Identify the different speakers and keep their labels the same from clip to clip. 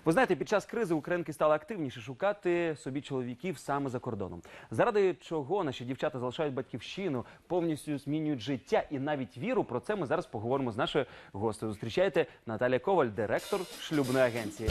Speaker 1: Ви знаєте, під час кризи українки стали активніше шукати собі чоловіків саме за кордоном. Заради чого наші дівчата залишають батьківщину, повністю змінюють життя і навіть віру. Про це ми зараз поговоримо з нашою гостею. Зустрічайте, Наталія Коваль, директор шлюбної агенції.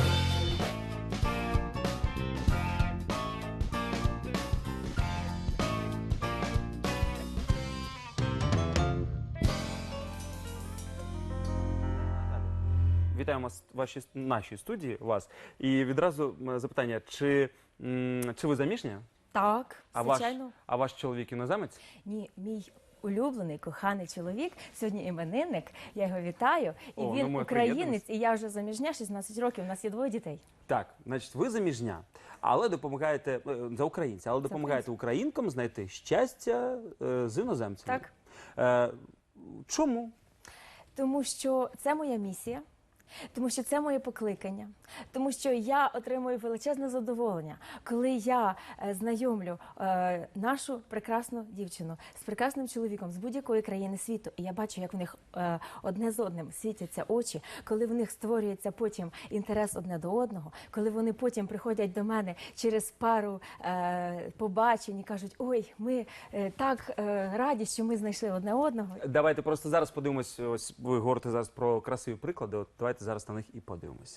Speaker 1: Вітаємо в нашій студії вас. І відразу запитання, чи ви заміжня?
Speaker 2: Так, звичайно.
Speaker 1: А ваш чоловік іноземець?
Speaker 2: Ні, мій улюблений, коханий чоловік, сьогодні іменинник, я його вітаю. І
Speaker 1: О,
Speaker 2: він українець, і я вже заміжня, 16 років, у нас є 2 дітей.
Speaker 1: Так, значить, ви заміжня, але допомагаєте, за українця, але допомагаєте українкам знайти щастя з іноземцями.
Speaker 2: Так.
Speaker 1: Чому?
Speaker 2: Тому що це моя місія. Тому що це моє покликання, тому що я отримую величезне задоволення, коли я знайомлю нашу прекрасну дівчину з прекрасним чоловіком з будь-якої країни світу, і я бачу, як в них одне з одним світяться очі, коли в них створюється потім інтерес одне до одного, коли вони потім приходять до мене через пару побачень і кажуть, ой, ми так раді, що ми знайшли одне одного.
Speaker 1: Давайте просто зараз подивимось, ось ви говорите зараз про красиві приклади, от давайте зараз на них і подивимося.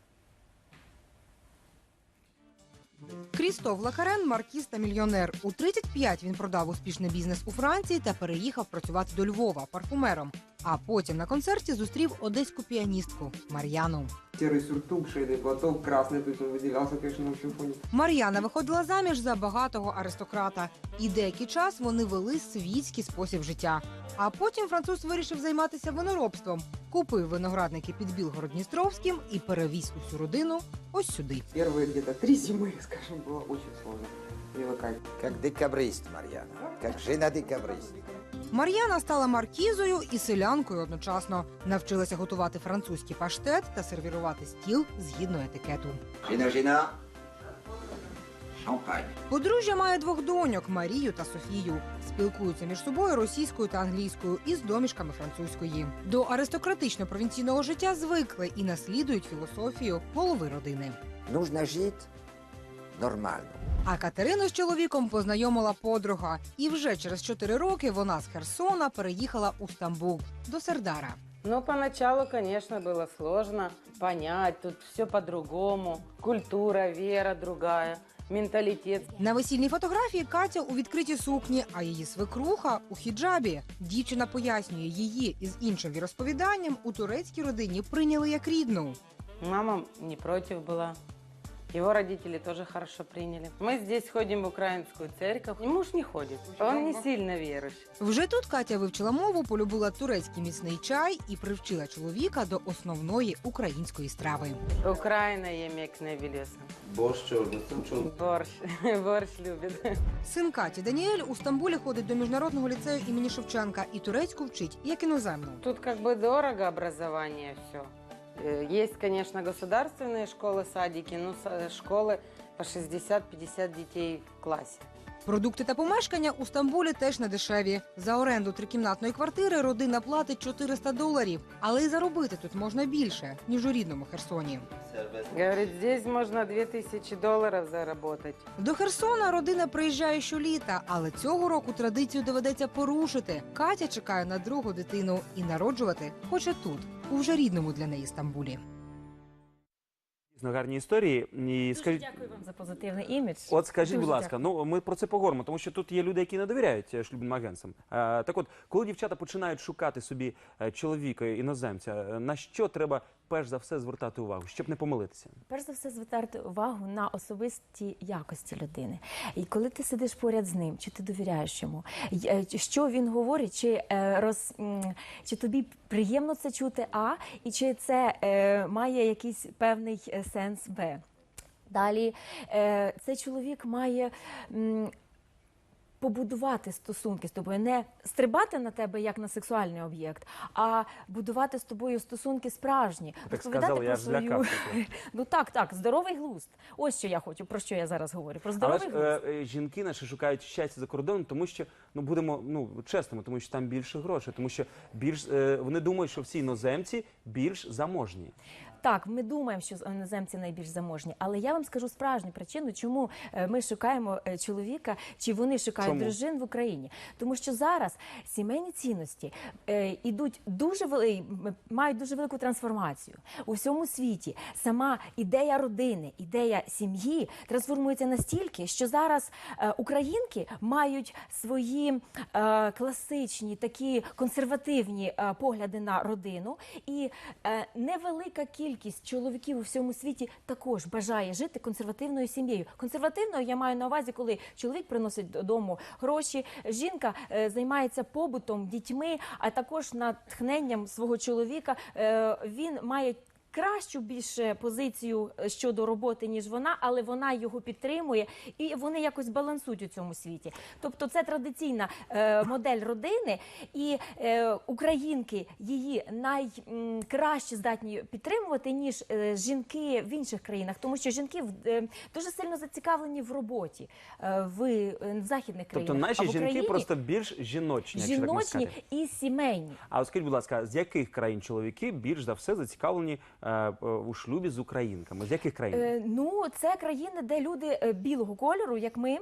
Speaker 3: Крістоф Лакарен – маркіз та мільйонер. У 35 він продав успішний бізнес у Франції та переїхав працювати до Львова парфумером. А потім на концерті зустрів одеську піаністку Мар'яну.
Speaker 4: Серый сюртук, шейный платок, красный, то есть он выделялся, конечно, на общем фоне.
Speaker 3: Мар'яна виходила заміж за багатого аристократа. І деякий час вони вели світський спосіб життя. А потім француз вирішив займатися виноробством. Купив виноградники під Білгород-Дністровським і перевіз усю родину ось сюди.
Speaker 4: Первые где-то 3 зимы, скажем, было очень сложно привыкать.
Speaker 5: Как декабрист, Мар'яна. Как жена декабрист.
Speaker 3: Мар'яна стала маркізою і селянкою одночасно. Навчилася готувати французький паштет та сервірувати стіл згідно етикету.
Speaker 5: Жена. Шампань.
Speaker 3: Подружжя має 2 доньок – Марію та Софію. Спілкуються між собою російською та англійською із домішками французької. До аристократично-провінційного життя звикли і наслідують філософію голови родини.
Speaker 5: Нужно жити нормально.
Speaker 3: А Катерину з чоловіком познайомила подруга. І вже через 4 роки вона з Херсона переїхала у Стамбул, до Сердара.
Speaker 6: Ну, поначалу, конечно, было сложно понять, тут все по-другому, культура, вера другая, менталитет.
Speaker 3: На весільній фотографії Катя у відкритій сукні, а її свекруха у хіджабі. Дівчина пояснює, її із іншим віросповіданням у турецькій родині прийняли як рідну.
Speaker 6: Мама не против была. Его родители тоже хорошо приняли. Мы здесь ходим в украинскую церковь. И муж не ходит. Он не сильно верующий.
Speaker 3: Вже тут Катя вивчила мову, полюбила турецький міцний чай і привчила чоловіка до основної української страви.
Speaker 6: Украина емек не белеса.
Speaker 5: Борщ чорний,
Speaker 6: Борщ. Борщ любит.
Speaker 3: Син Каті Даніель у Стамбулі ходить до міжнародного ліцею імені Шевченка і турецьку вчить, як іноземну.
Speaker 6: Тут как бы дорого образование все. Есть, конечно, государственные школы, садики, но школы по 60-50 детей в классе.
Speaker 3: Продукти та помешкання у Стамбулі теж не дешеві. За оренду трикімнатної квартири родина платить $400. Але й заробити тут можна більше, ніж у рідному Херсоні.
Speaker 6: Говорит, здесь можно $2000 заработать.
Speaker 3: До Херсона родина приїжджає щоліта, але цього року традицію доведеться порушити. Катя чекає на 2-гу дитину і народжувати хоче тут, у вже рідному для неї Стамбулі.
Speaker 1: Гарні історії. І
Speaker 2: Дуже дякую вам за позитивний імідж.
Speaker 1: От скажіть,
Speaker 2: Дуже
Speaker 1: будь ласка, ну ми про це поговоримо, тому що тут є люди, які не довіряють шлюбним агентствам. Так от, коли дівчата починають шукати собі чоловіка, іноземця, на що треба перш за все звертати увагу, щоб не помилитися?
Speaker 2: Перш за все звертати увагу на особисті якості людини. І коли ти сидиш поряд з ним, чи ти довіряєш йому, що він говорить, чи тобі приємно це чути, і чи це має якийсь певний сенс, Б. Далі, цей чоловік має побудувати стосунки з тобою, не стрибати на тебе як на сексуальний об'єкт, а будувати з тобою стосунки справжні.
Speaker 1: Так сказали, я ж злякався.
Speaker 2: Ну так, здоровий глузд. Ось що я хочу, про що я зараз говорю, про здоровий глузд.
Speaker 1: Але ж жінки наші шукають щастя за кордоном, тому що, будемо чесними, тому що там більше грошей, тому що вони думають, що всі іноземці більш заможні.
Speaker 2: Так, ми думаємо, що іноземці найбільш заможні, але я вам скажу справжню причину, чому ми шукаємо чоловіка, чи вони шукають
Speaker 1: Чому?
Speaker 2: дружин в Україні. Тому що зараз сімейні цінності мають дуже велику трансформацію. У всьому світі сама ідея родини, ідея сім'ї трансформується настільки, що зараз українки мають свої класичні, такі консервативні погляди на родину, і невелика кількість чоловіків у всьому світі також бажає жити консервативною сім'єю. Консервативною я маю на увазі, коли чоловік приносить додому гроші, жінка займається побутом, дітьми, а також натхненням свого чоловіка. Він має кращу більше позицію щодо роботи, ніж вона, але вона його підтримує, і вони якось балансують у цьому світі. Тобто це традиційна модель родини, і українки її найкраще здатні підтримувати, ніж жінки в інших країнах, тому що жінки дуже сильно зацікавлені в роботі в західних країнах.
Speaker 1: Тобто наші
Speaker 2: А в
Speaker 1: жінки
Speaker 2: Україні
Speaker 1: просто більш жіночні, якщо так можна
Speaker 2: жіночні
Speaker 1: сказати.
Speaker 2: і сімейні.
Speaker 1: А от скажіть, будь ласка, з яких країн чоловіки більш за все зацікавлені у шлюбі з українками? З яких країн?
Speaker 2: Ну, це країни, де люди білого кольору, як ми.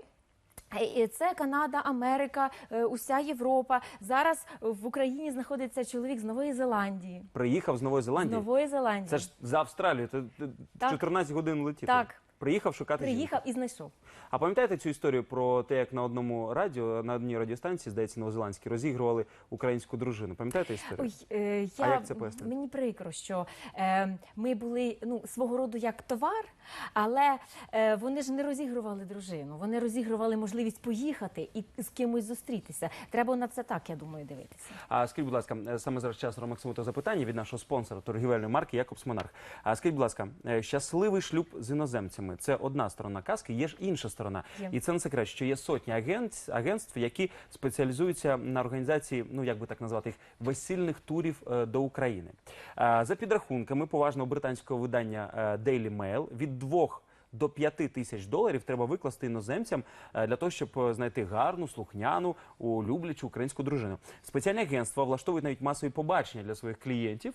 Speaker 2: Це Канада, Америка, уся Європа. Зараз в Україні знаходиться чоловік з Нової Зеландії.
Speaker 1: Приїхав з Нової
Speaker 2: З
Speaker 1: Зеландії?
Speaker 2: Нової Зеландії.
Speaker 1: Це ж за Австралію, це
Speaker 2: Так.
Speaker 1: 14 годин летіти.
Speaker 2: Так.
Speaker 1: Приїхав шукати жінку.
Speaker 2: Приїхав і знайшов.
Speaker 1: А пам'ятаєте цю історію про те, як на одному радіо, на одній радіостанції, здається, новозеландській, розігрували українську дружину? Пам'ятаєте історію?
Speaker 2: Ой,
Speaker 1: А як це пояснити?
Speaker 2: мені прикро, що ми були свого роду як товар, але вони ж не розігрували дружину. Вони розігрували можливість поїхати і з кимось зустрітися. Треба на це так, я думаю, дивитися.
Speaker 1: А скажіть, будь ласка, саме зараз час Максиму запитання від нашого спонсора торгівельної марки «Якобс Монарх». А скажіть, будь ласка, щасливий шлюб з іноземцями – це одна сторона казки, є ж інша сторона.
Speaker 2: Є.
Speaker 1: І це не секрет, що є сотні агентств, які спеціалізуються на організації, ну як би так назвати їх, весільних турів до України. За підрахунками поважного британського видання Daily Mail, від 2 до 5 тисяч доларів треба викласти іноземцям для того, щоб знайти гарну, слухняну, люблячу українську дружину. Спеціальні агентства влаштовують навіть масові побачення для своїх клієнтів,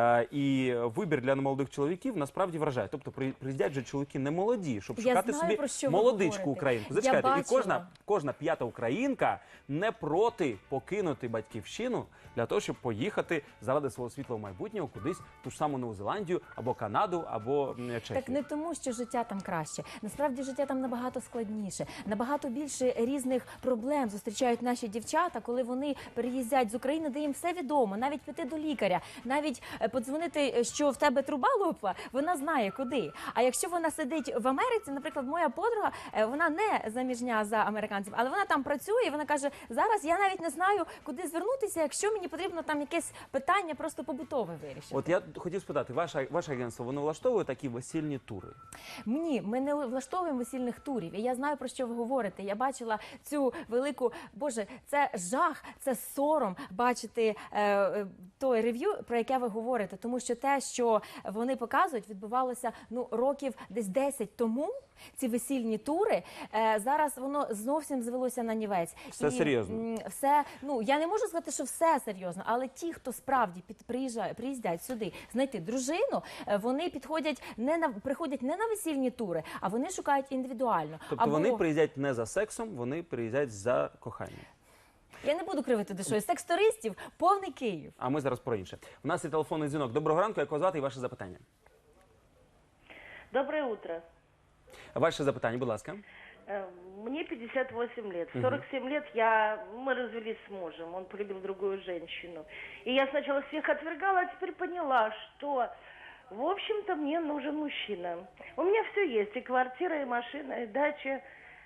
Speaker 1: і вибір для молодих чоловіків насправді вражає. Тобто приїздять же чоловіки не молоді, щоб
Speaker 2: Я
Speaker 1: шукати
Speaker 2: знаю,
Speaker 1: собі
Speaker 2: про що ви
Speaker 1: молодичку
Speaker 2: говорите.
Speaker 1: українку.
Speaker 2: Я
Speaker 1: Зачекайте, і
Speaker 2: бачила.
Speaker 1: кожна п'ята українка не проти покинути батьківщину для того, щоб поїхати заради свого світлого майбутнього кудись, ту ж саму Нову Зеландію, або Канаду, або Чехію.
Speaker 2: Так не тому, що життя там краще. Насправді життя там набагато складніше. Набагато більше різних проблем зустрічають наші дівчата, коли вони переїздять з України, де їм все відомо. Навіть піти до лікаря, навіть подзвонити, що в тебе труба лопла, вона знає куди. А якщо вона сидить в Америці, наприклад, моя подруга, вона не заміжня за американців, але вона там працює, і вона каже, зараз я навіть не знаю, куди звернутися, якщо мені потрібно там якесь питання просто побутове вирішити.
Speaker 1: От я хотів спитати, ваше агентство, воно влаштовує такі весільні тури?
Speaker 2: Ні, ми не влаштовуємо весільних турів. І я знаю, про що ви говорите. Я бачила цю велику, Боже, це жах, це сором бачити той рев'ю, про яке ви говорите. Тому що те, що вони показують, відбувалося років десь 10 тому. Ці весільні тури, зараз воно зовсім звелося на нівець.
Speaker 1: Все серйозно?
Speaker 2: Все, я не можу сказати, що все серйозно, але ті, хто справді приїздять сюди знайти дружину, вони приходять не на весільні тури, а вони шукають індивідуально.
Speaker 1: Тобто вони приїздять не за сексом, вони приїздять за коханням.
Speaker 2: Я не буду кривити душою. Секс-туристів повний Київ.
Speaker 1: А ми зараз про інше. У нас є телефонний дзвінок. Доброго ранку, як вас звати і ваше запитання?
Speaker 7: Доброе утро.
Speaker 1: Ваше запитання, будь ласка.
Speaker 7: Мне 58 лет. В 47 лет мы развелись с мужем. Он полюбил другую женщину. И я сначала всех отвергала, а теперь поняла, что, в общем-то, мне нужен мужчина. У меня все есть. И квартира, и машина, и дача.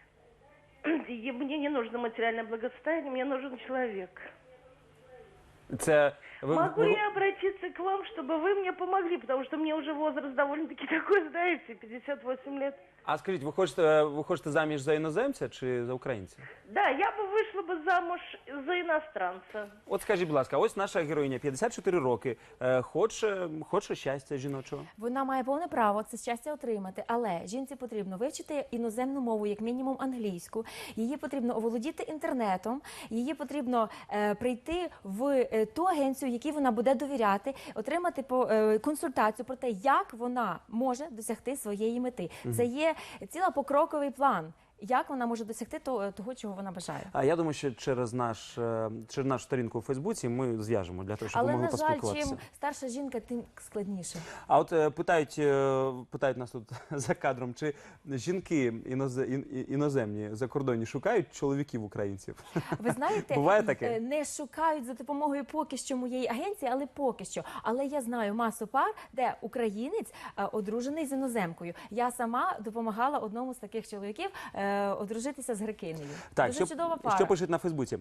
Speaker 7: И мне не нужно материальное благосостояние, мне нужен человек. Могу я обратиться к вам, чтобы вы мне помогли, потому что мне уже возраст довольно-таки такой, знаете, 58 лет.
Speaker 1: А скажіть, ви хочете заміж за іноземця чи за українця?
Speaker 7: Да, я бы вышла бы замуж за иностранца.
Speaker 1: От скажіть, будь ласка, ось наша героїня, 54 роки, хоче щастя жіночого.
Speaker 2: Вона має повне право це щастя отримати, але жінці потрібно вивчити іноземну мову, як мінімум англійську, її потрібно оволодіти інтернетом, її потрібно прийти в ту агенцію, якій вона буде довіряти, отримати консультацію про те, як вона може досягти своєї мети. Це є ціла покроковий план. Як вона може досягти того, чого вона бажає.
Speaker 1: А я думаю, що через нашу сторінку у Фейсбуці ми зв'яжемо для того, щоб ви
Speaker 2: Але,
Speaker 1: могли
Speaker 2: на жаль,
Speaker 1: поспілкуватися.
Speaker 2: чим старша жінка, тим складніше.
Speaker 1: А от питають нас тут за кадром, чи жінки іноземні закордонні шукають чоловіків українців?
Speaker 2: Ви знаєте,
Speaker 1: Буває таке?
Speaker 2: не шукають за допомогою поки що моєї агенції, але поки що. Але я знаю масу пар, де українець одружений з іноземкою. Я сама допомагала одному з таких чоловіків одружитися з грекинею.
Speaker 1: Так,
Speaker 2: Дуже чудова пара.
Speaker 1: що пишуть на Фейсбуці?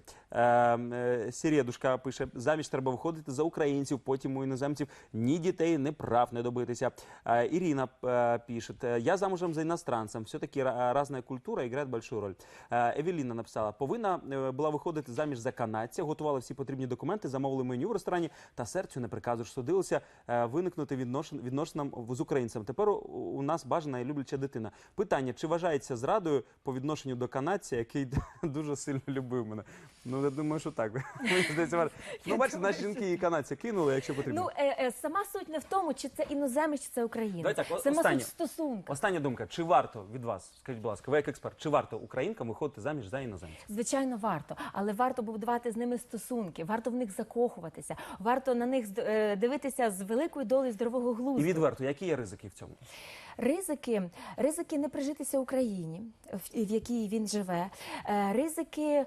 Speaker 1: Сірєдушка пише, заміж треба виходити за українців, потім у іноземців ні дітей, ні прав не добитися. Ірина пише, я замужем за иностранцем, все-таки разная культура играет большую роль. Евеліна написала, повинна була виходити заміж за канадця, готувала всі потрібні документи, замовили меню в ресторані, та серцю не приказуєш, судилося виникнути відносинам з українцем. Тепер у нас бажана і любляча дитина. Питання, чи вважається зрадою по відношенню до канадця, який дуже сильно любив мене? Ну, я думаю, що так. Мені здається, ну, бачите, наші жінки і канадця кинули, якщо потрібно.
Speaker 2: Ну, сама суть не в тому, чи це іноземець, чи це українець.
Speaker 1: Давайте так,
Speaker 2: Сама
Speaker 1: останнє.
Speaker 2: суть в стосунках.
Speaker 1: Остання думка. Чи варто від вас, скажіть, будь ласка, ви як експерт, чи варто українкам виходити заміж за іноземців?
Speaker 2: Звичайно, варто, але варто будувати з ними стосунки, варто в них закохуватися, варто на них дивитися з великою долею здорового глузду.
Speaker 1: І відверто, які є ризики в цьому?
Speaker 2: Ризики не прижитися Україні, в якій він живе, ризики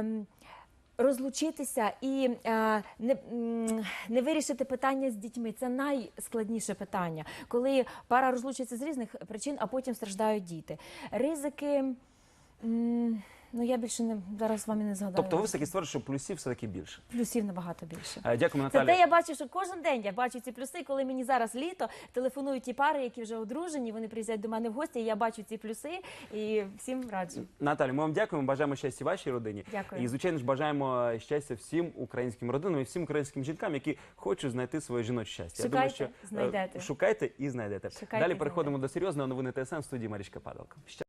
Speaker 2: розлучитися і не вирішити питання з дітьми. Це найскладніше питання, коли пара розлучується з різних причин, а потім страждають діти. Ризики, ну я більше зараз з вами не згадаю.
Speaker 1: Тобто ви все-таки стверджуєте, що плюсів все-таки більше?
Speaker 2: Плюсів набагато більше.
Speaker 1: Дякую,
Speaker 2: Це
Speaker 1: Наталя.
Speaker 2: те я бачу, що кожен день я бачу ці плюси, коли мені зараз літо, телефонують ті пари, які вже одружені, вони приїздять до мене в гості, і я бачу ці плюси і всім раджу.
Speaker 1: Наталя, ми вам дякуємо, бажаємо щастя вашій родині.
Speaker 2: Дякую.
Speaker 1: І, звичайно ж, бажаємо щастя всім українським родинам і всім українським жінкам, які хочуть знайти своє жіноче щастя. Я думаю,
Speaker 2: Шукайте, знайдете.
Speaker 1: Шукайте і знайдете.
Speaker 2: Шукайте
Speaker 1: Далі
Speaker 2: і
Speaker 1: переходимо до серйозної новини ТСН в студії Марічка Падалка.